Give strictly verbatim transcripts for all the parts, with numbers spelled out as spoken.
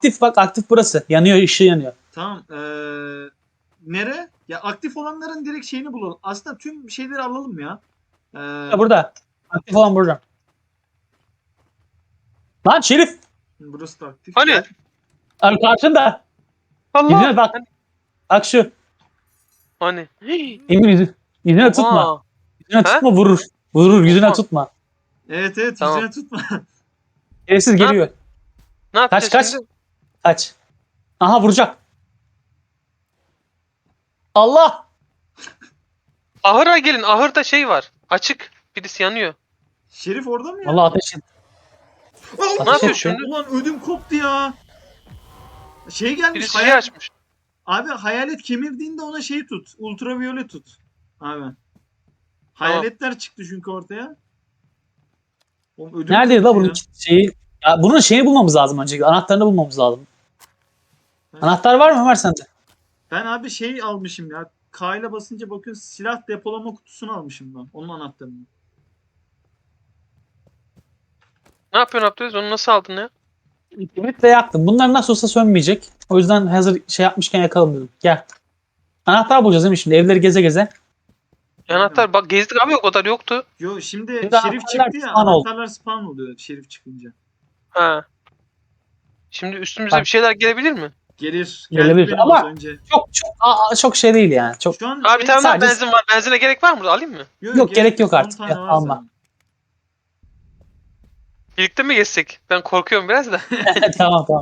aktif bak, aktif burası. Yanıyor, ışığı yanıyor. Tamam. Ee, nere? Ya aktif olanların direkt şeyini bulalım. Aslında tüm şeyleri alalım ya. Ee, Burada, burada. Aktif olan burada. Lan Şerif. burası da aktif. Hani? Gel. Abi karşında. Allah. Yüzüne bak. Bak şu. Hani? Hii. Emir yüzü. Yüzüne Oha. tutma. Yüzüne He? tutma vurur. Vurur yüzüne Oha. tutma. Evet evet Tamam. yüzüne tutma. Şerefsiz Ne geliyor. Ne yapacağız Kaç kaç. şimdi? Kaç. Aha vuracak. Allah. Ahıra gelin. Ahırda şey var. Açık. Birisi yanıyor. Şerif orada mı ya? Allah ateş et. Allah! Ne yapıyor etti. şimdi? Ulan ödüm koptu ya. Şey gelmiş. Birisi şey hayal- açmış. Abi hayalet kemirdiğinde ona şey tut. Ultraviyole tut. Abi. Hayaletler çıktı çünkü ortaya. Oğlum ödüm Neredeydi la koptu bunun ya. şeyi? Ya bunun şeyini bulmamız lazım öncelikle. Anahtarını bulmamız lazım. Ben- Anahtar var mı Ömer sende? Ben abi şey almışım ya. K ile basınca bakıyorsun silah depolama kutusunu almışım ben. Onun anahtarını. Ne yapıyorsun Abdülaziz? Onu nasıl aldın ya? Kimitle yaktım. Bunlar nasıl olsa sönmeyecek. O yüzden hazır şey yapmışken yakalım dedim. Gel. Anahtar bulacağız değil mi şimdi? Evleri geze geze. Anahtar bak gezdik abi o kadar yoktu. Yo şimdi, Şimdi Şerif anahtarlar çıktı ya. spawn oldu. Anahtarlar spawn oluyor Şerif çıkınca. Ha. Şimdi üstümüze Bak. bir şeyler gelebilir mi? Gelir. Gelebilir. Geldi benim Ama- az önce. Çok çok aa, çok şey değil yani. Çok Şu an Abi şey- bir tane daha sadece- benzin var. Benzine gerek var mı? Alayım mı? Yok, gerek yok on artık tane ya, var alma. zaten. Birlikte mi gezsek? Ben korkuyorum biraz da. tamam tamam.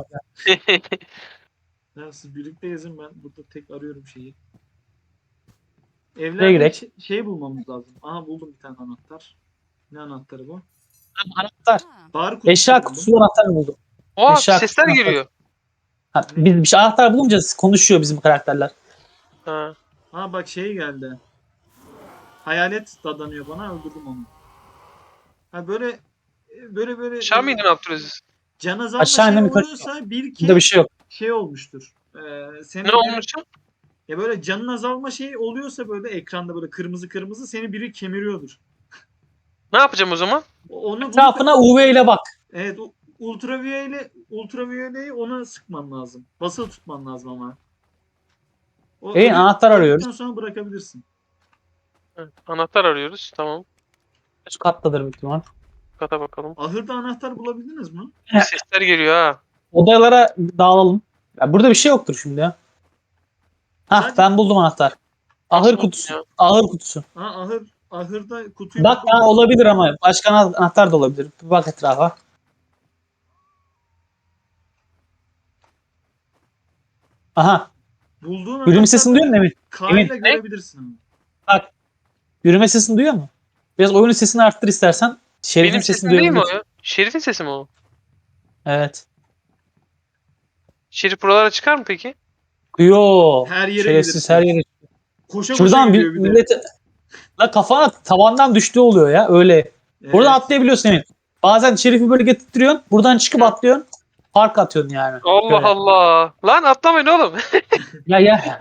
Ya siz birlikte yazın, ben burada tek arıyorum şeyi. Nereye Evlerde girek? ş- şey bulmamız lazım. Aha buldum bir tane anahtar. Ne anahtarı bu? Anahtar. Bar kutusu Eşya buldum. kutusu anahtarını buldum. Oha Eşya sesler kutusu geliyor. Ha, biz bir şey anahtar bulunca konuşuyor bizim karakterler. Ha. Ha bak şey geldi. Hayalet dadanıyor bana, öldürdüm onu. Ha böyle böyle böyle Aşağı mı indin Abdülaziz? can azalma Aşağı şey indim, yukarı oluyorsa bir Burada bir kez şey yok. şey olmuştur. Ee, senin Ne biri- olmuş? Ya böyle canın azalma şeyi oluyorsa böyle ekranda böyle kırmızı kırmızı seni biri kemiriyordur. Ne yapacağım o zaman? O- Onu bunu- Etrafına U V ile bak. Evet, u- ultraviyole ultraviyoleyi ona sıkman lazım. Basılı tutman lazım ama. O Hey, ölü- anahtar öldükten arıyoruz. sonra bırakabilirsin. Ha, anahtar arıyoruz. Tamam. Şu kattadır büyük ihtimal. Kata bakalım. Ahırda anahtar bulabildiniz mi? Sesler geliyor ha. Odalara dağılalım. Ya burada bir şey yoktur şimdi ya. Hah Sadece- ben buldum anahtar. Ahır Nasıl kutusu. buldun Ahır kutusu. Ha ahır ahırda kutuyu Bak buldum. ha, olabilir ama başka ana- anahtar da olabilir. Bir bak etrafa. Aha. Bulduğun Yürüme sesini duyuyor musun anahtarları Emin? K Emin, ile ne? görebilirsin ama. Bak. Yürüme sesini duyuyor mu? Biraz oyunun sesini arttır istersen. Şerif'in Benim sesini sesim değil mi o duyabilirsin. ya? Şerif'in sesi mi o? Evet. Şerif buralara çıkar mı peki? Yo. Her yere Şerefsiz gelir. her yere. Koşa koşa Şuradan bir gidiyor bir de. millete... La kafana tavandan düştüğü oluyor ya öyle. Buradan Evet. atlayabiliyorsun Emin. Bazen Şerif'i böyle getirtiyorsun. Buradan çıkıp Hı. atlıyorsun. Park atıyorsun yani. Allah Böyle. Allah. Lan atlamayın oğlum. Ya ya.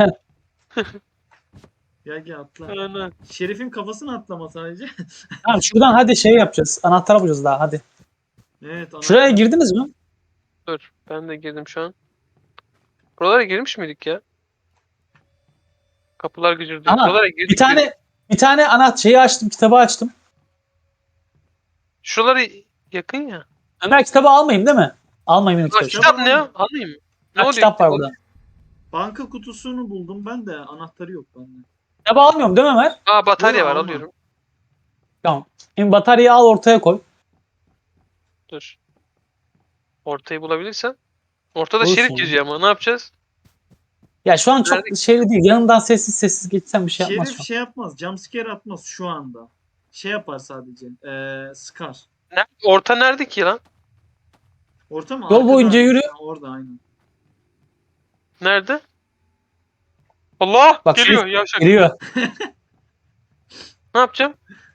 Gel gel atla. Ana. Şerif'in kafasını atlama sadece. Tamam şuradan hadi şey yapacağız. Anahtar bulacağız daha hadi. Evet. anahtar. Şuraya girdiniz mi? Dur. Ben de girdim şu an. Buralara girmiş miydik ya? Kapılar gücürdü. Aha, Buralara girdik. Bir tane bir tane anahtar şeyi açtım, kitabı açtım. Şuraları yakın ya. Ömer kitabı almayayım değil mi? Almayayım Aa, kitabı. kitap- kitap ne ya? Alayım mı? Ne Ha, oluyor? kitap var burada. Banka kutusunu buldum ben de, anahtarı yok bende. Kitabı almıyorum değil mi Ömer? Aa batarya Yok, var alma. alıyorum. Tamam. Şimdi bataryayı al ortaya koy. Dur. Ortayı bulabilirsen. Ortada Bulursun şerif ya. geziyor ama ne yapacağız? Ya şu an çok Nerede? şeyli değil. Yanından sessiz sessiz geçsem bir şey yapmaz Şerif şu an. şey yapmaz. Jumpscare atmaz şu anda. Şey yapar sadece. Ee, sıkar. Ne? Orta nerede ki lan? Orta mı? Yol Arkada boyunca aynı. yürü. Ha, orada aynen. Nerede? Allah! Bak, Geliyor şerif yavşak. Giriyor. Ne yapacağım?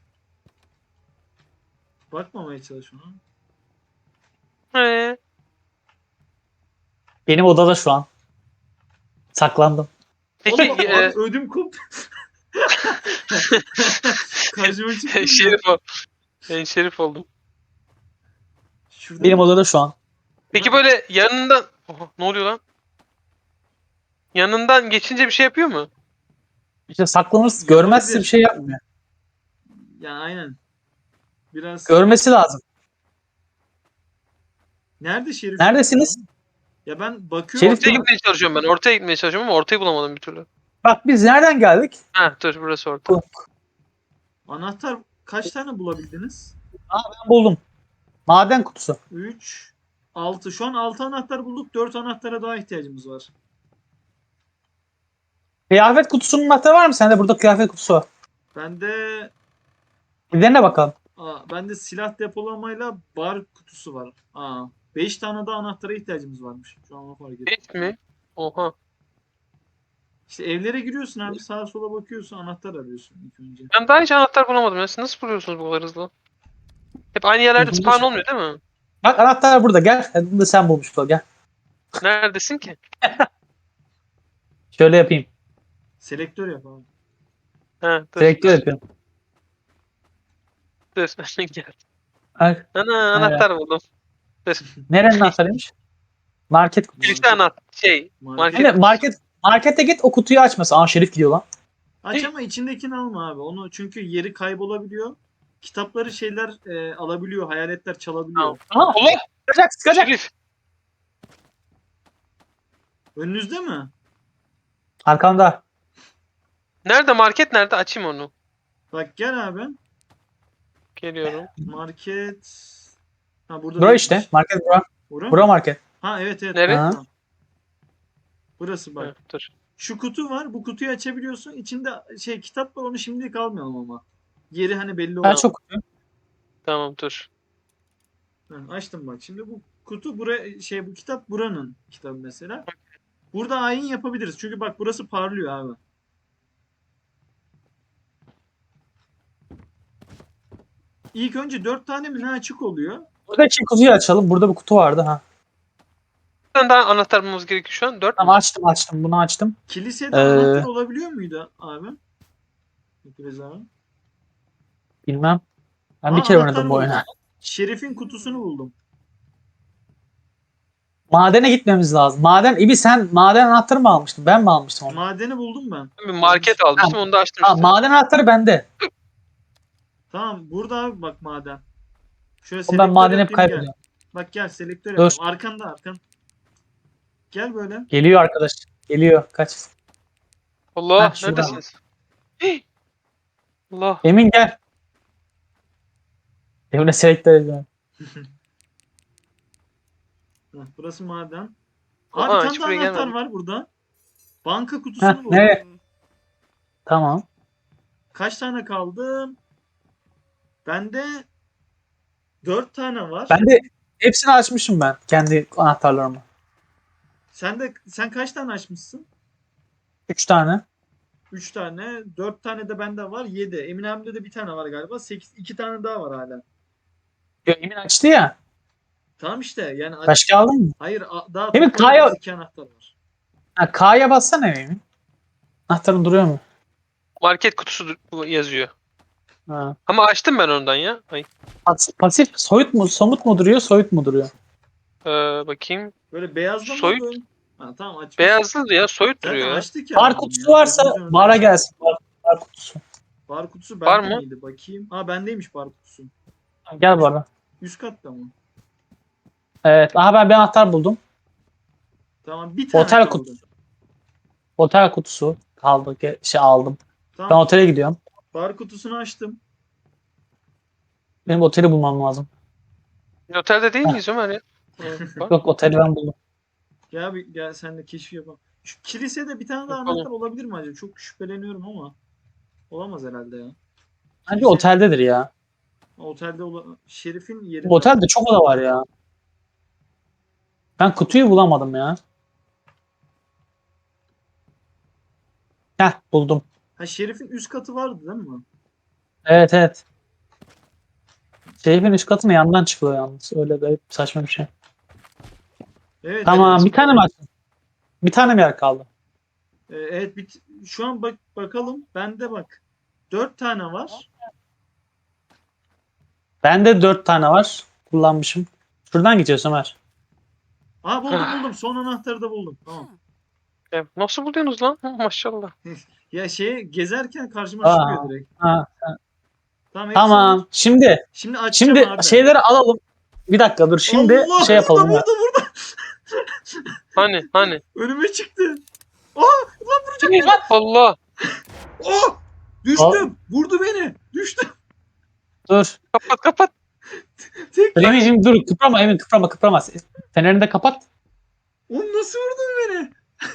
Bakmamaya çalış ona. He. Benim odada şu an. Saklandım. Peki Oğlum, e, abi ödüm koptu. Karşıma çıktı. şerif ol. Ben şerif oldum. Şurada Benim odada şu an. Peki böyle yanından Oha, ne oluyor lan? Yanından geçince bir şey yapıyor mu? İşte saklanırsa görmezse bir Yapabilir. şey yapmıyor. Ya aynen. Biraz. Görmesi lazım. Nerede Şerif? Neredesiniz? Ya ben bakıyorum. Şerif Ortaya değil. gitmeye çalışıyorum ben. Ortaya gitmeye çalışıyorum ama ortayı bulamadım bir türlü. Bak biz nereden geldik? Ha dur burası orta. Anahtar kaç tane bulabildiniz? Ben buldum. Maden kutusu. üç, altı. Şu an altı anahtar bulduk. dört anahtara daha ihtiyacımız var. Kıyafet kutusunun anahtarı var mı? Sende burada kıyafet kutusu var. Bende Bir dene bakalım. aa, bende silah depolamayla bar kutusu var. Aa, beş tane daha anahtara ihtiyacımız varmış. Şu an onu fark ettim. Hiç mi? Oha. İşte evlere giriyorsun abi, sağa sola bakıyorsun, anahtar arıyorsun ilk önce. Ben daha hiç anahtar bulamadım ya. Siz nasıl buluyorsunuz bu kadar hızlı? Hep aynı yerlerde spawn olmuyor değil mi? Bak anahtar burada gel. Hadi bunu da sen bulmuş ol gel. Neredesin ki? Şöyle yapayım. Selektör yap abi. Ha dur. Selektör yapıyorum. Dur. Gel. Bak, Ana anahtar buldum. Dur. nerenin anahtarıymış? Market kutusu. Kilise anahtar. Şey. Market. Hani Market. market markete git o kutuyu açmasın. Aa Şerif gidiyor lan. Aç ama içindekini alma abi. Onu çünkü yeri kaybolabiliyor. Kitapları şeyler e, alabiliyor, hayaletler çalabiliyor. Tamam. Aha Allah. Sıkacak sıkacak. Şerif. Önünüzde mi? Arkanda. Nerede market nerede? Açayım onu. Bak gel abi. Geliyorum. Market. Ha burada Bura değilmiş. işte. Market bura. Bura mı? Bura market. Ha evet evet. Nereye? Tamam. Burası bak. Ha, dur. Şu kutu var. Bu kutuyu açabiliyorsun. İçinde şey kitap var. Onu şimdilik almayalım ama. Yeri hani belli Ben oldu. çok kutuyu. Tamam dur. Açtım bak. Şimdi bu kutu buraya şey bu kitap buranın kitabı mesela. Burada ayin yapabiliriz. Çünkü bak burası parlıyor abi. İlk önce dört tane mi ne açık oluyor? Buradaki kutuyu açalım. Burada bir kutu vardı ha. Bir tane daha anahtar bulmamız gerekiyor şu an. Dört Tamam mü? açtım açtım. Bunu açtım. Kilisede Ee, anahtar olabiliyor muydu abi? Biraz abi. Bilmem. Ben Aa, bir kere anahtar oynadım bu buldum. oyunu. Şerif'in kutusunu buldum. Madene gitmemiz lazım. Maden, İbi sen maden anahtarı mı almıştın? Ben mi almıştım onu? Madeni buldum ben. Bir market almıştım onu da açtım Ha, işte. maden anahtarı bende. Tamam burada abi bak maden. Şöyle Oğlum ben selektör madeni hep yapayım, gel. kaybediyorum. Bak gel selektör Dur. yapalım. Arkanda arkan. Gel böyle. Geliyor arkadaş. Geliyor. Kaç. Allah Heh, şurada. neredesiniz? Hii. Allah. Emin gel. Emre selektör ediyorum. Heh, burası maden. Aa, Abi bir hiç tane daha buraya anahtar gelmedim. var burada. Banka kutusunu Heh, buldum. nereye? Tamam. Kaç tane kaldı? Bende dört tane var. Ben de hepsini açmışım ben. Kendi anahtarlarımı. Sen de sen kaç tane açmışsın? Üç tane. üç tane. dört tane de bende var. yedi. Emin abimde de bir tane var galiba. sekiz. iki tane daha var hala. Ya, Emin açtı ya. Tamam işte yani aç- Başka aldın mı? hayır a- daha Emin, toplamda K'ya- iki anahtar var. Ha, K'ya bassana Emin. Anahtarın duruyor mu? Market kutusu du- yazıyor. Ha. Ama açtım ben ondan ya. Ay. Pas- Pasif soyut mu, somut mu duruyor, soyut mu duruyor? Ee, bakayım. Böyle beyazda mı Soyut. böyle? Ha, tamam aç. Beyazlı ya soyut Zaten duruyor ya. açtık ya. Bar bunu kutusu ya. varsa Gözümüzün önünde bara açtık. gelsin. Bar, bar kutusu. Bar kutusu Var bende mı? miydi? Bakayım. Ha bendeymiş bar kutusu. Gel bara. Üst katta mı? Evet. Aha ben bir anahtar buldum. Tamam bir tane Otel kaldı. kutusu. Otel kutusu kaldı. Ge- Şey aldım. Ben Tamam. otele gidiyorum. Bar kutusunu açtım. Benim oteli bulmam lazım. Biz otelde değil miyiz Ömer ya? Ee, bak. Yok oteli ben buldum. Gel bir gel sen de keşif yapalım. Şu kilisede bir tane daha Yapalım. anahtar olabilir mi acaba? Çok şüpheleniyorum ama. Olamaz herhalde ya. Bence Kilise- oteldedir ya. Otelde ola... Şerif'in yeri. Bu otelde çok oda var ya. Ben kutuyu bulamadım ya. Heh buldum. Ha Şerif'in üst katı vardı değil mi? Evet evet. Şerif'in üst katına yandan çıkıyor yalnız. Öyle garip saçma bir şey. Evet. Tamam evet. bir tane mi açtın? Bir tane mi yer kaldı? Ee, evet bit şu an bak bakalım. Bende bak. Dört tane var. Bende dört tane var. Kullanmışım. Şuradan gidiyoruz Ömer. Aa buldum buldum. Son anahtarı da buldum. Tamam. Ya, nasıl buluyorsunuz lan? Hı, maşallah. Ya şey gezerken karşıma Aa. çıkıyor direkt. Ha, Tamam hepsi tamam. var. Şimdi Şimdi açacağım şimdi abi. şeyleri alalım. Bir dakika dur. Şimdi Allah, şey yapalım. Burada ya. burada burada. Hani hani. Önüme çıktı. Allah. Oh! Düştüm. Vurdu beni. Düştüm. Dur. Kapat kapat. Tek. Emin'cim dur. Kıprama Emin kıprama kıprama. Fenerini de kapat. Oğlum nasıl vurdun beni?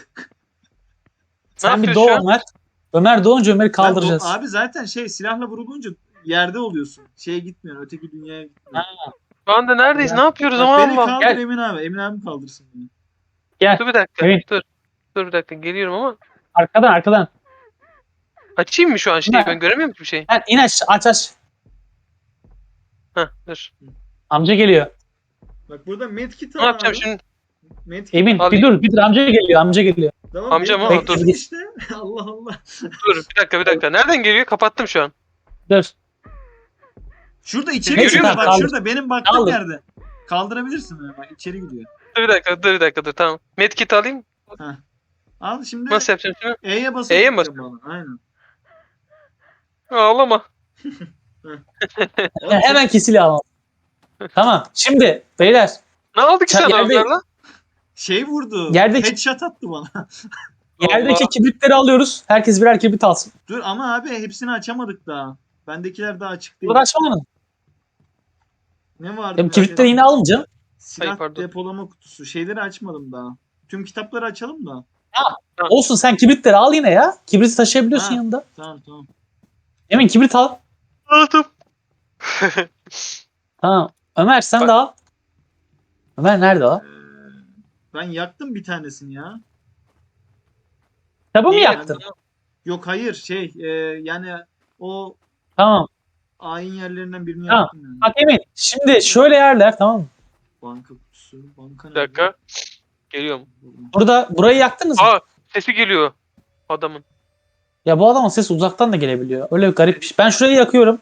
Sen bir yapıyorsun doğ şu an? Ömer. Ömer doğunca Ömer'i Ben do- kaldıracağız. abi zaten şey silahla vurulunca yerde oluyorsun. Şeye gitmiyorsun. Öteki dünyaya gitmiyorsun. Şu anda neredeyiz? Ya. Ne yapıyoruz Bak ama beni Allah. kaldır Gel. Emin abi. Emin abim kaldırsın beni. Gel. Dur bir dakika. Evet. Dur. Dur bir dakika. Geliyorum ama. Arkadan arkadan. Açayım mı şu an şeyi? Ne? Ben göremiyorum ki bir şey. Gel in aç aç aç. Heh dur. Amca geliyor. Bak burada medkit Ne al yapacağım abi. şimdi? Medkit. Emin Alayım. bir dur bir dur amca geliyor amca geliyor. Tamam, Amca mı? medkit Dur. al işte. Allah Allah. Dur bir dakika bir dakika. Nereden geliyor? Kapattım şu an. Dur. Şurada içeri Neyse, gidiyor. tamam, Bak kaldır. şurada benim baktığım Kaldır. yerde. Kaldırabilirsin beni bak içeri gidiyor. Dur bir dakika dur bir dakika dur tamam. Medkit alayım. Al şimdi Nasıl yapacağım şimdi? E'ye basıp E'ye mi tutacağım bana. Aynen. Ağlama. Oğlum, Hemen kesili alalım. Tamam. Şimdi beyler Ne aldık Sen sen yerde- onlarla? şey vurdu. Yerdeki- Headshot attı bana. yerdeki Allah. kibritleri alıyoruz. Herkes birer kibrit alsın. Dur ama abi hepsini açamadık daha. Bendekiler daha açık değil. Burada açmanın. Ne vardı? Hem bir kibritleri şey? yine alınca. Silah Ay, pardon. depolama kutusu. Şeyleri açmadım daha. Tüm kitapları açalım da. Olsun sen kibritleri al yine ya. Kibriti taşıyabiliyorsun Ha. yanında. Tamam tamam. Emin kibrit al. Aldım. Tamam. Ömer sen Bak- de al. Ömer nerede o? Ee, ben yaktım bir tanesini ya. Kitabı mı Niye yaktın? Yok hayır şey e, yani o Tamam. ayin yerlerinden birini Tamam. yaktım yani. Bak Emin şimdi şöyle yerler tamam mı? Banka kutusu. Banka Bir dakika. Geliyorum. Burada burayı yaktınız mı? Aa sesi geliyor adamın. Ya bu adamın sesi uzaktan da gelebiliyor. Öyle bir garip bir şey. Ben şurayı yakıyorum.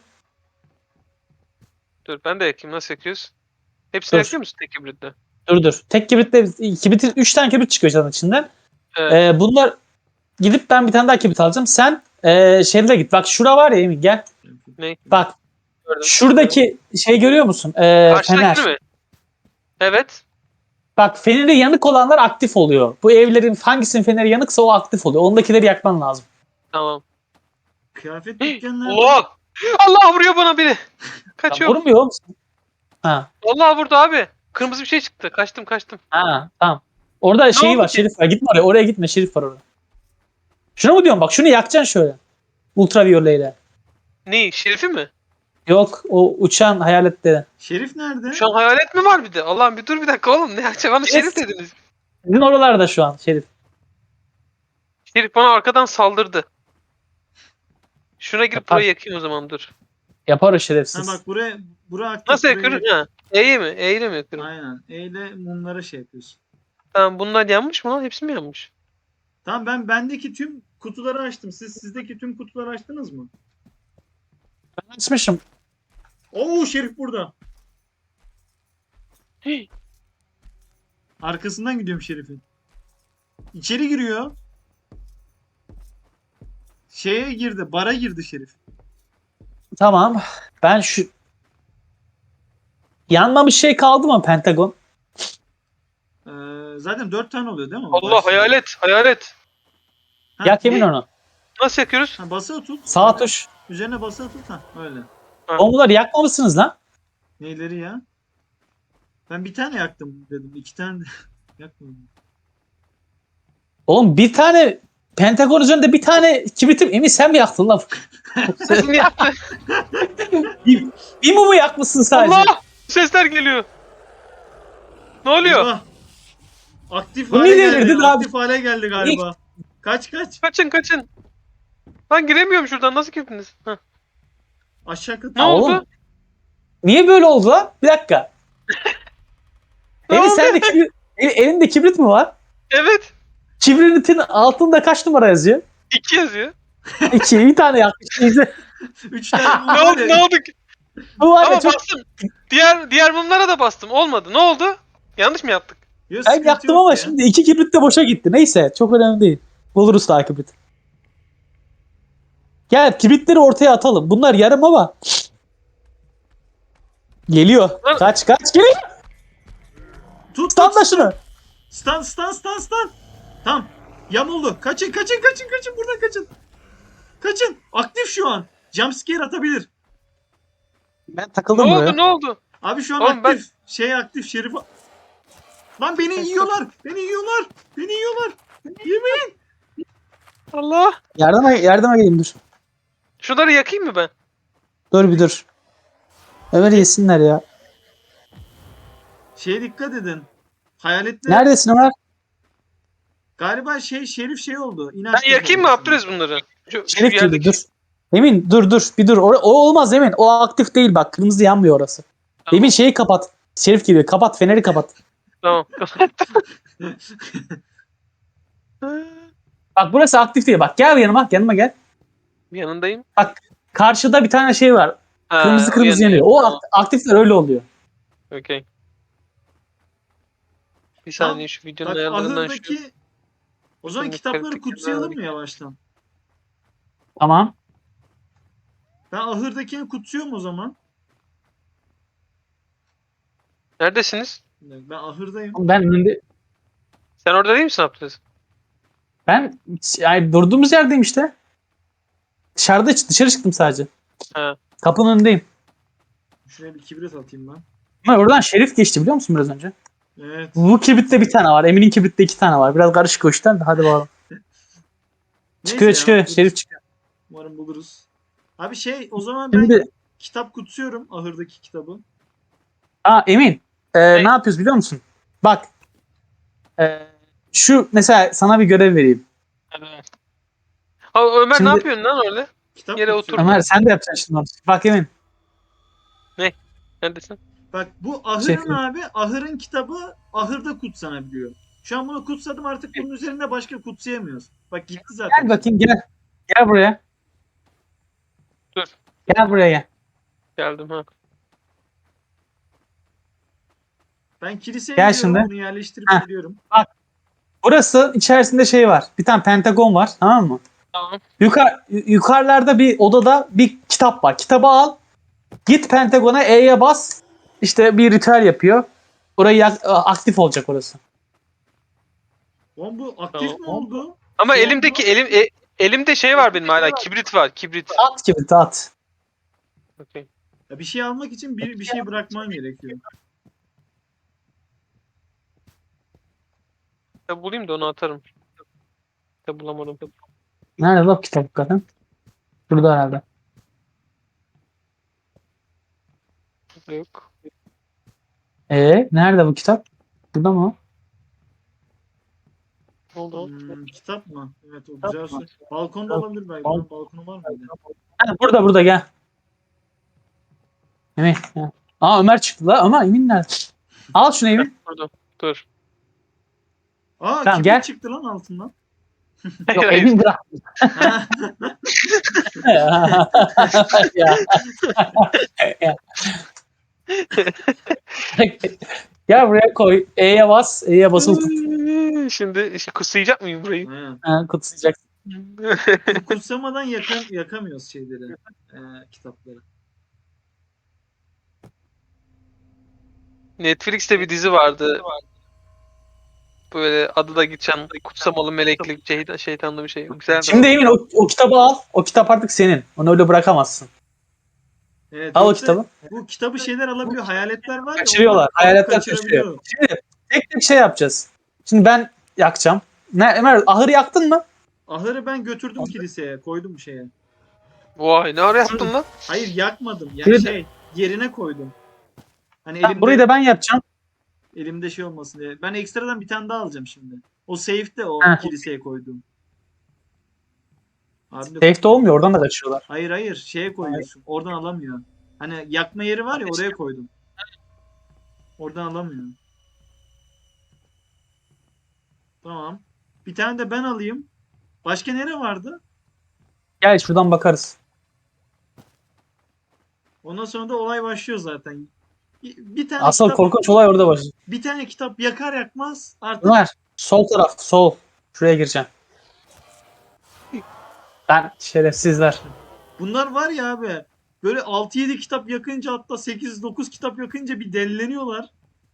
Dur ben de yakayım. Nasıl yakıyoruz? Hepsini Dur. yakıyor musun tek kibritle? Dur dur. Tek kibritle kibritin üç tane kibrit çıkıyor zaten içinden. Evet. Ee, bunlar gidip ben bir tane daha kibrit alacağım. Sen ee, şeylere git. Bak şura var ya Emin gel. Ne? Bak Gördüm. şuradaki şey görüyor musun? Ee, Karşıdaki fener. mi? Evet. Bak feneri yanık olanlar aktif oluyor. Bu evlerin hangisinin feneri yanıksa o aktif oluyor. Ondakileri yakman lazım. Tamam. Kıyafet dükkanları. Allah! Allah vuruyor bana biri. Ya, Kaçıyorum. vurmuyor musun? Ha. Allah vurdu abi. Kırmızı bir şey çıktı. Kaçtım kaçtım. Ha tamam. Orada şeyi oldu var, ki? Şerif var. Gitme oraya. Oraya gitme, Şerif var orada. Şunu mu diyorum? Bak şunu yakacaksın şöyle. Ultraviyoleyle. Ne? Şerifi mi? Yok, o uçan hayaletleri. Şerif nerede? Şu an hayalet mi var bir de? Allah'ım bir dur bir dakika oğlum. Ne yapacağım? Bana şerif dediniz. Sizin oralarda şu an Şerif. Şerif bana arkadan saldırdı. Şuna girip Yapar. burayı yakayım o zaman dur. Yapar o Ha şerefsiz. bak buraya bura aktif. Nasıl buraya- yakıyoruz? Ha. E'yi mi? E'yi mi yakıyorum? Aynen. E ile mumlara şey yapıyorsun. Tamam bunlar yanmış mı lan? Hepsi mi yanmış? Tamam ben bendeki tüm kutuları açtım. Siz sizdeki tüm kutuları açtınız mı? Ben açmışım. Oo Şerif burada. Hey. Arkasından gidiyorum Şerif'in. İçeri giriyor. Şeye girdi. Bara girdi Şerif. Tamam. Ben şu... Yanmamış şey kaldı mı Pentagon? Ee, zaten dört tane oluyor değil mi? Allah Başta. hayalet hayalet. Ha, Yak Emin ne? onu. Nasıl yakıyoruz? Ha, basılı tut. Sağ tuş. Üzerine basılı tut. Ha öyle. Onları yakmamışsınız lan. Neyleri ya? Ben bir tane yaktım dedim. İki tane de yakmadım. Oğlum bir tane Pentagon üzerinde bir tane kibritim. Emin sen mi yaktın lan? Sesini yaptı. bir, bir mumu yakmışsın sadece. Allah! Sesler geliyor. Ne oluyor? Eyvah. Aktif Bu hale niye geldi. delirdin abi? Aktif hale geldi galiba. Kaç kaç. Kaçın kaçın. Ben giremiyorum şuradan. Nasıl girdiniz? Heh. Aşağı kat. Ne Ya oldu? oğlum, niye böyle oldu lan? Bir dakika. Ne Emin oldu? sende kibrit, el- elinde kibrit mi var? Evet. Kibritin altında kaç numara yazıyor? İki yazıyor. İki, bir tane yakmış. İşte Üç tane mum Ne var oldu? ya. Ne oldu? bu var ya Ama çok... bastım. Diğer diğer mumlara da bastım. Olmadı. Ne oldu? Yanlış mı yaptık? Yok, Ben sıkıntı yaktım yok ama ya. şimdi iki kibrit de boşa gitti. Neyse çok önemli değil. Buluruz daha kibrit. Gel kibritleri ortaya atalım. Bunlar yarım ama. Geliyor. Lan- Kaç kaç geliyor. Tut Stun tut da stun. şunu. Stun stun stun stun. Tamam. Yamuldu. Kaçın kaçın kaçın kaçın buradan kaçın. Kaçın. Aktif şu an. Jumpscare atabilir. Ben Ne takıldım oldu buraya. ne oldu? Abi şu an Oğlum ben- aktif. Şey aktif Şerif. Lan beni yiyorlar. Beni yiyorlar. Beni yiyorlar. Yemeyin. Allah. Yardıma, yardıma geleyim dur. Şunları yakayım mı ben? Dur bir dur. Ömer yesinler ya. Şeye dikkat edin. Hayaletler. Neredesin Ömer? Galiba şey Şerif şey oldu. Ben İnaktif yakayım mı oldu. Abdülaziz bunları? Şu, şu Şerif girdi yerdeki. dur. Emin dur dur bir dur. O, o olmaz Emin. O aktif değil bak. Kırmızı yanmıyor orası. Tamam. Emin şeyi kapat. Şerif giriyor. Kapat feneri kapat. Tamam. Bak burası aktif değil. Bak gel yanıma. Yanıma gel. Yanındayım. Bak karşıda bir tane şey var. Ha, Kırmızı o kırmızı yanıyor. yanıyor. O Tamam. akt- aktifler öyle oluyor. Okey. Bir Tamam. saniye şu videonun Bak ayarlarından şu. ahırdaki o zaman Şimdi kitapları kritik kutsayalım mı kenarı- yavaştan? Tamam. Ben ahırdakini kutsuyorum o zaman. Neredesiniz? Bir dakika, ben ahırdayım. Ben önünde Sen orada değil misin Abdülaziz? ben yani durduğumuz yerdeyim işte. Dışarıda dışarı çıktım sadece. Ha. Kapının önündeyim. Şuraya bir kibrit atayım ben. Ama oradan Şerif geçti biliyor musun biraz önce? Evet. Bu kibritte bir tane var. Emin'in kibritte iki tane var. Biraz karışık o işten de hadi bakalım. Çıkıyor Neyse çıkıyor. ya, Şerif çıkıyor. umarım buluruz. Abi şey o zaman ben Şimdi kitap kutsuyorum ahırdaki kitabı. aa Emin e, Ne? ne yapıyoruz biliyor musun? Bak e, şu mesela sana bir görev vereyim. Evet. Ha, Ömer Şimdi- ne yapıyorsun lan öyle? Kitap Yere kutsuyorum. Ömer sen de yapacaksın şimdi onu. Bak Emin. Neredesin? Bak bu ahırın Şey- abi ahırın kitabı ahırda kutsanabiliyor. Şu an bunu kutsadım artık bunun üzerinde başka kutsayamıyoruz. Bak gitti zaten. Gel bakayım gel. Gel buraya. Dur. Gel buraya gel. Geldim ha. Ben kiliseye Gel gidiyorum şimdi. bunu yerleştirip Heh. geliyorum. Burası içerisinde şey var. Bir tane pentagon var tamam mı? Tamam. Yukarı, yukarılarda bir odada bir kitap var. Kitabı al. Git Pentagon'a E'ye bas. İşte bir ritüel yapıyor. Orayı yak- aktif olacak orası. Oğlum bu aktif Tamam. mi oldu? Ama Şu elimdeki anda- elim e, elimde şey var benim hala. Kibrit var. Kibrit. At gibi at. Okey. Ya bir şey almak için bir, bir şey bırakman gerekiyor. Ya bulayım da onu atarım. Ya bulamadım. Nerede bak kitap hakikaten? Burada herhalde. Yok. Ee, nerede bu kitap? Burada mı? Ne oldu? Hmm, kitap mı? Evet o güzel soru. Balkonda olabilir belki. Bal- Lan balkonu var mıydı? Ha, burada burada gel. Emin. Gel. Aa Ömer çıktı la. Ömer Emin nerede? Al şunu Emin. Burada. Dur. Aa Tamam, kibrit gel. çıktı lan altından. Yok Hayır, hayır. Emin bırak. Ha, ya. Ya. Gel buraya koy. E'ye bas. E'ye basılı tut. Şimdi işte kusayacak mıyım burayı? ha. Ha, kutsayacaksın. Bu kutsamadan yakam, yakamıyoruz şeyleri. E, kitapları. Netflix'te bir dizi vardı. Böyle adı da geçen kutsamalı meleklik şeytan, şeytanlı bir şey. Güzeldi. Şimdi Emin o, o kitabı al. O kitap artık senin. Onu öyle bırakamazsın. Evet, Al o yoksa kitabı. Bu kitabı şeyler alabiliyor. Hayaletler var ya. Kaçırıyorlar. onlar alıp Hayaletler kaçırabiliyor. Şimdi tek tek şey yapacağız. Şimdi ben yakacağım. Ne, Ömer ahırı yaktın mı? Ahırı ben götürdüm kiliseye. Koydum şeye. Vay ne ara yaptın lan? Hayır yakmadım. Yani Burayı da- şey yerine koydum. Hani Ha, elimde, burayı da ben yapacağım. elimde şey olmasın diye. Ben ekstradan bir tane daha alacağım şimdi. O safe'de o Ha. kiliseye koydum. Abi de- Safe'de olmuyor. Oradan da kaçıyorlar. Hayır hayır şeye koyuyorsun. Oradan alamıyor. Hani yakma yeri var ya oraya koydum. Oradan alamıyor. Tamam. Bir tane de ben alayım. Başka nere vardı? Gel şuradan bakarız. Ondan sonra da olay başlıyor zaten. Bir tane Asıl kitap, korkunç olay orada başlıyor. bir tane kitap yakar yakmaz artık Ömer sol taraf sol. Şuraya gireceğim. Ben şerefsizler. bunlar var ya abi. Böyle altı yedi kitap yakınca, hatta sekiz dokuz kitap yakınca bir delleniyorlar.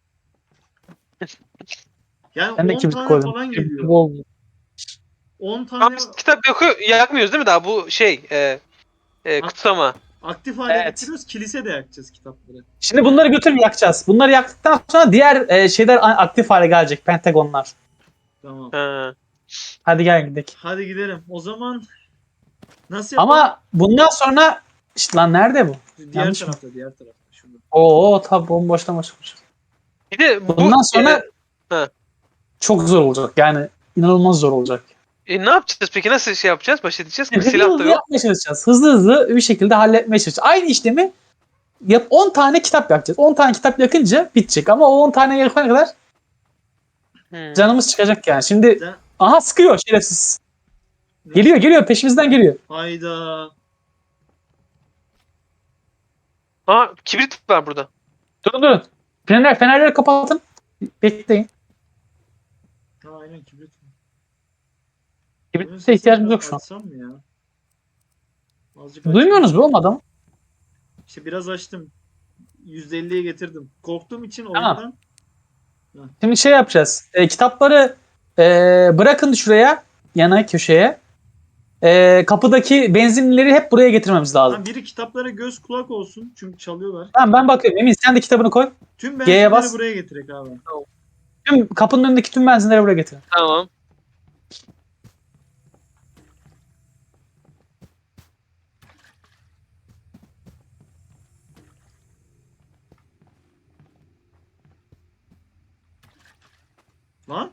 Yani Ben de on kibrit tane koydum. falan Kibrit geliyor. bol. on Ama tane biz kitap yakıyor, yakmıyoruz değil mi daha bu şey e, e, kutsama. aktif hale Evet. getiriyoruz. Kilise de yakacağız kitapları. Şimdi bunları götürüp yakacağız. Bunları yaktıktan sonra diğer e, şeyler a- aktif hale gelecek. Pentagonlar. Tamam. Ha. Hadi gel gidelim. Hadi gidelim. O zaman nasıl yapalım? Ama bundan sonra işte lan nerede bu? diğer yanlış mı? tarafta, diğer tarafta. Şurada. Oo tabi bomboştan başlamış. Bir de bu Bundan sonra e, çok zor olacak. Yani inanılmaz zor olacak. e, ne yapacağız peki? Nasıl şey yapacağız? Baş edeceğiz? Hızlı Silah da hızlı yok. yapmaya çalışacağız. Hızlı hızlı bir şekilde halletmeye çalışacağız. Aynı işlemi yap on tane kitap yakacağız. on tane kitap yakınca bitecek. Ama o on tane yakana kadar Hmm. canımız çıkacak yani. Şimdi Can- aha sıkıyor şerefsiz. Geliyor geliyor peşimizden geliyor. Hayda. Aa, kibrit var burada. Durun durun. Fener, fenerleri kapatın. Bekleyin. Ha, aynen kibrit. Kibrite ihtiyacımız yok şu an. Açsam mı ya? Azıcık Duymuyorsunuz mu oğlum adamı? İşte biraz açtım. yüzde elliye getirdim. Korktuğum için Tamam. oyundan. Şimdi şey yapacağız. E, kitapları e, bırakın şuraya. Yana köşeye. E, kapıdaki benzinlileri hep buraya getirmemiz lazım. Ha, biri kitaplara göz kulak olsun. Çünkü çalıyorlar. Tamam ben bakıyorum. Emin sen de kitabını koy. Tüm G'ye benzinleri bas. buraya getirek abi. Tüm kapının önündeki tüm benzinleri buraya getir. Tamam. Lan.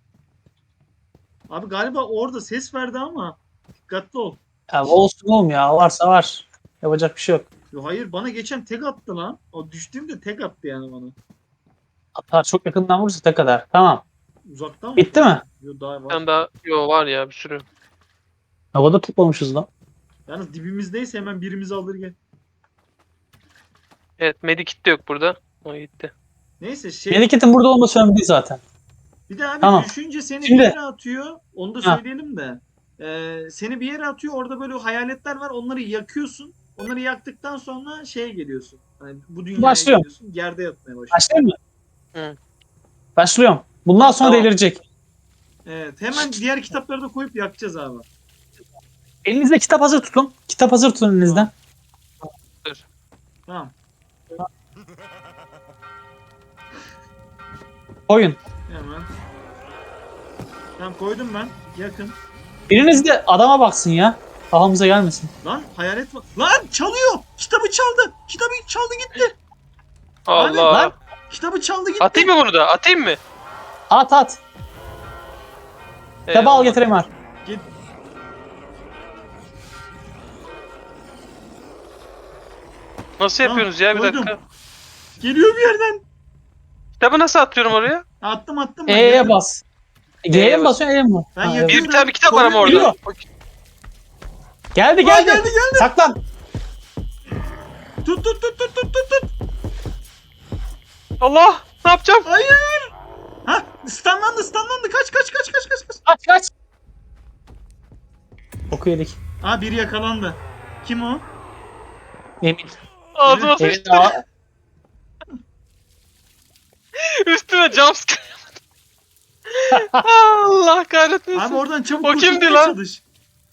Abi galiba orada ses verdi ama dikkatli ol. Ya olsun oğlum ya. Varsa var. Yapacak bir şey yok. Yo, hayır, bana geçen tek attı lan. O düştüğümde tek attı yani bana. Atar çok yakından vurursa ne kadar. Tamam. Uzaktan mı? Bitti mi? Yo, daha Bir var. tane daha yo var ya bir sürü. Havada tutmamışız lan. Yalnız dibimizdeyse hemen birimizi alır gel. Evet, medikit de yok burada. O gitti. Neyse şey. Medikit'in burada olması önemli değil zaten. Bir de abi Tamam. düşünce seni Şimdi- bir yere atıyor. Onu da Ha. söyleyelim de. Ee, seni bir yere atıyor. Orada böyle hayaletler var. Onları yakıyorsun. Onları yaktıktan sonra şeye geliyorsun. Hani bu dünyaya Başlıyorum. geliyorsun. Yerde yatmaya başlıyorsun. Başlayayım mı? Hı. Başlıyorum. Bundan sonra Tamam. delirecek. Evet. Hemen diğer kitapları da koyup yakacağız abi. Elinizde kitap hazır tutun. Kitap hazır tutun elinizden. Tamam. Koyun. Hemen. Tamam, koydum ben. Yakın. Biriniz de adama baksın ya. Kafamıza gelmesin. Lan hayalet var. Lan çalıyor. Kitabı çaldı. Kitabı çaldı gitti. Abi, Allah. lan. Kitabı çaldı gitti. Atayım mı bunu da? Atayım mı? At at. Kitabı al getireyim var. Git. Nasıl Tamam, yapıyorsunuz ya bir koydum. dakika. Geliyor bir yerden. Kitabı nasıl atıyorum oraya? Attım attım. ben. E'ye Yakın. bas. G'ye E'ye mi bas. basıyorsun E'ye mi? Ben Ha, yakıyorum. evet. Bir, bir tane bir kitap var ama Koyuyor. orada. Geldi Aa, geldi. geldi geldi. Saklan. Tut tut tut tut tut tut tut. Allah! Ne yapacağım? Hayır. Ha, stunlandı stunlandı. Kaç kaç kaç kaç kaç kaç. Kaç kaç. Oku yedik. Aa, biri yakalandı. Kim o? Emin. Ağzıma Emin sıçtı. a- Üstüme jumpscare. Allah kahretmesin. Abi oradan çabuk O kimdi kurtulmaya lan? çalış.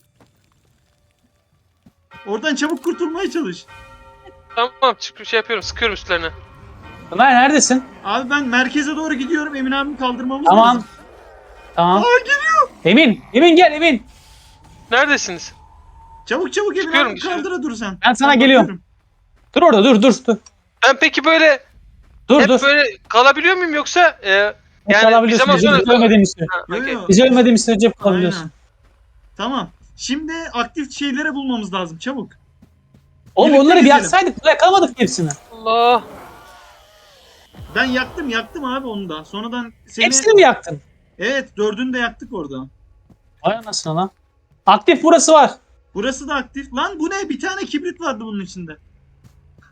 Oradan çabuk kurtulmaya çalış. Tamam çık şey yapıyorum sıkıyorum üstlerine. Ömer neredesin? Abi ben merkeze doğru gidiyorum. Emin abimi kaldırmamız Tamam. lazım. Tamam. Aa, geliyor. Emin. Emin gel Emin. Neredesiniz? Çabuk çabuk Emin Çıkıyorum, abimi çıkıyorum. kaldıra dur sen. Ben sana Ben geliyorum. bakıyorum. Dur orada dur dur dur. Ben peki böyle Dur hep dur. böyle kalabiliyor muyum yoksa e, Hep yani bir kalabiliyorsun. zaman Biz sonra... biz ölmediğimiz sürece. Ha, Yo, okey. yo. Biz ölmediğimiz sürece hep kalabiliyorsun. Aynen. Tamam. Şimdi aktif şeylere bulmamız lazım. Çabuk. Oğlum Birlikte onları bir gezelim. yaksaydık yakalamadık hepsini. Allah. Ben yaktım yaktım abi onu da. Sonradan seni... Hepsini mi yaktın? Evet, dördünü de yaktık orada. Vay anasını lan. Aktif burası var. Burası da aktif. Lan bu ne? Bir tane kibrit vardı bunun içinde.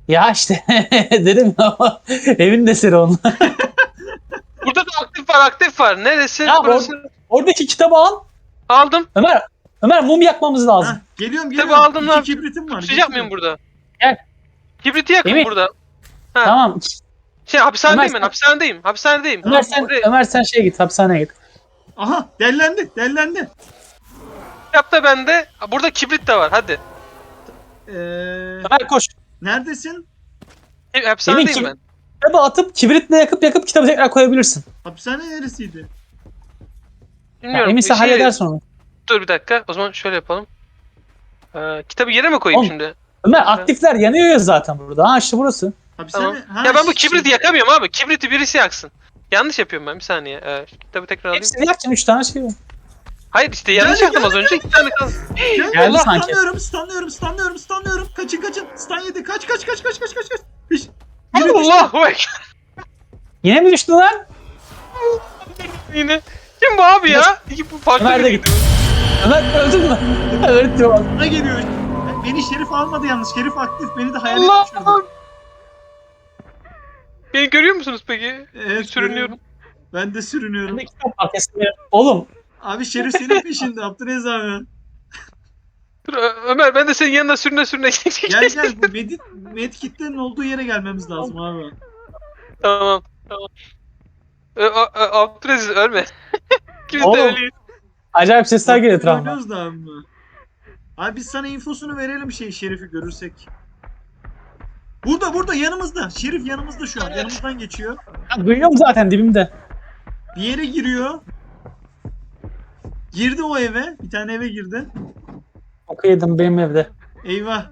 Ya işte dedim ama evin eseri onun. Burada da aktif var aktif var. Neresi? Ya Burası. Oradaki kitabı al. Aldım. Ömer, Ömer mum yakmamız lazım. Heh, geliyorum Kitabı geliyorum. aldım İki lan. kibritim var. Sıcak mıyım getiriyorum. burada? Gel. Kibriti yakın Emin. burada. Ha. Tamam. Şey hapishanedeyim Ömer, ben hapishanedeyim. Hapishanedeyim. Ömer Tamam, sen buraya- Ömer sen şeye git, hapishaneye git. Aha dellendi dellendi. Yap da bende. Burada kibrit de var hadi. Ee, Ömer koş. neredesin? E, Hapishanedeyim Emin, ben. Kitabı atıp kibritle yakıp yakıp kitabı tekrar koyabilirsin. Hapishane neresiydi? Ya, Bilmiyorum. Emin sen şey- halledersin onu. Dur bir dakika. O zaman şöyle yapalım. Ee, kitabı yere mi koyayım Oğlum, şimdi? Ömer aktifler yanıyor ya zaten burada. Ha işte burası. Hapishane. Tamam. Ha, Ya ben bu şey- kibriti yakamıyorum abi. Kibriti birisi yaksın. Yanlış yapıyorum ben bir saniye. Ee, şu kitabı tekrar alayım. Hepsini yakacaksın, üç tane şey var. Hayır işte yanlış Geldi, yaptım az önce. İki tane kaldı. Gel, Geldi Allah, sanki. Stunlıyorum, stunlıyorum, stunlıyorum, stunlıyorum. Kaçın kaçın. Stun yedi. Kaç kaç kaç kaç kaç kaç kaç. Hiç. Allahu ekber. Yine mi düştün lan? Yine. Kim bu abi ya? İki bu farklı Ömer de biri. gitti. Ömer öldün mü? Evet diyor. Bana geliyor. Beni Şerif almadı yalnız. Şerif aktif. Beni de hayalet Allah düşürdü. Allah. Beni görüyor musunuz peki? Evet, Sürünüyorum. Ben de Ben sürünüyorum. de kitap var kesin. Oğlum Abi Şerif senin peşinde. Abdülaziz abi. Dur Ö- Ömer ben de senin yanına sürüne sürüne. Gel gel. Bu medit, medkitlerin olduğu yere gelmemiz lazım abi. Tamam. Tamam. Ö- Ö- Ö- Abdülaziz ölme. İkimiz de Oğlum. ölüyüz. acayip sesler geliyor etrafıma. Oynuyoruz da abi. Abi biz sana infosunu verelim şey Şerif'i görürsek. Burada burada yanımızda. Şerif yanımızda şu an. Yanımızdan geçiyor. Ya, duyuyorum zaten dibimde. Bir yere giriyor. Girdi o eve. Bir tane eve girdi. Okuyordum benim evde. Eyvah.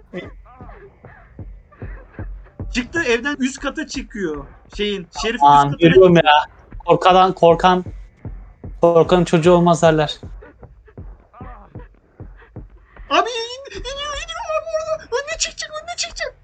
Çıktı evden üst kata çıkıyor. Şeyin Şerif Aman üst kata. görüyorum ya. Korkadan korkan korkanın çocuğu olmaz derler. Abi in, iniyor iniyor abi orada. Önüne çıkacak önüne çıkacak.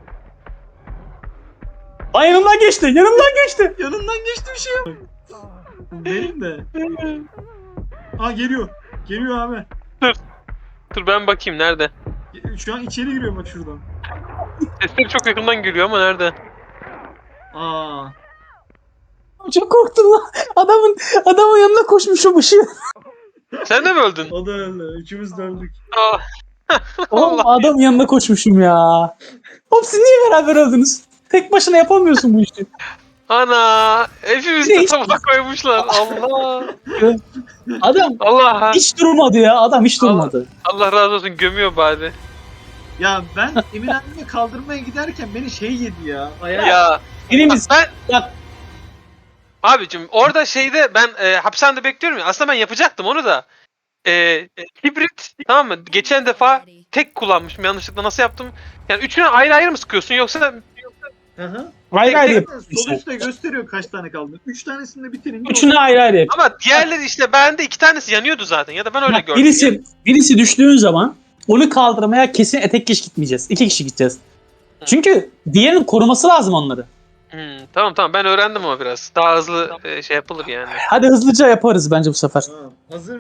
Ay yanımdan geçti, yanımdan geçti. Yanından geçti bir şey yok. Benim de. Aa geliyor. Geliyor abi. Dur ben bakayım nerede? Şu an içeri giriyor bak şuradan. Sesleri çok yakından geliyor ama nerede? Aa. Çok korktum lan. Adamın adamın yanına koşmuşum ışığı. Sen de mi öldün? O da öyle. Üçümüz de öldük. Aa. Oğlum Allah. adamın yanına koşmuşum ya. Oğlum siz niye beraber öldünüz? Tek başına yapamıyorsun bu işi. Ana. Hepimiz Ne de iş- tabak koymuşlar. Allah. Adam Allah. hiç durmadı ya. Adam hiç Allah. durmadı. Allah razı olsun gömüyor bari. Ya ben Emin annemi kaldırmaya giderken beni şey yedi ya. Ayağı. Ya. Birimiz Ben bak abicim orada şeyde ben e, hapishanede bekliyorum ya. Aslında ben yapacaktım onu da. E, e, hibrit tamam mı? Geçen defa tek kullanmışım yanlışlıkla nasıl yaptım? Yani üçünü ayrı ayrı mı sıkıyorsun yoksa Hı hı. ayrı ayrı Tek- yap. Sol üstte gösteriyor kaç tane kaldı. Üç tanesini de bitirince. Üçünü ayrı ayrı yap. ama diğerleri işte bende iki tanesi yanıyordu zaten ya da ben öyle Bak, gördüm. birisi, birisi düştüğün zaman onu kaldırmaya kesin tek kişi gitmeyeceğiz. İki kişi gideceğiz. Çünkü diğerinin koruması lazım onları. Hmm, tamam tamam ben öğrendim ama biraz. Daha hızlı e, şey yapılır yani. Hadi hızlıca yaparız bence bu sefer. Ha, hazır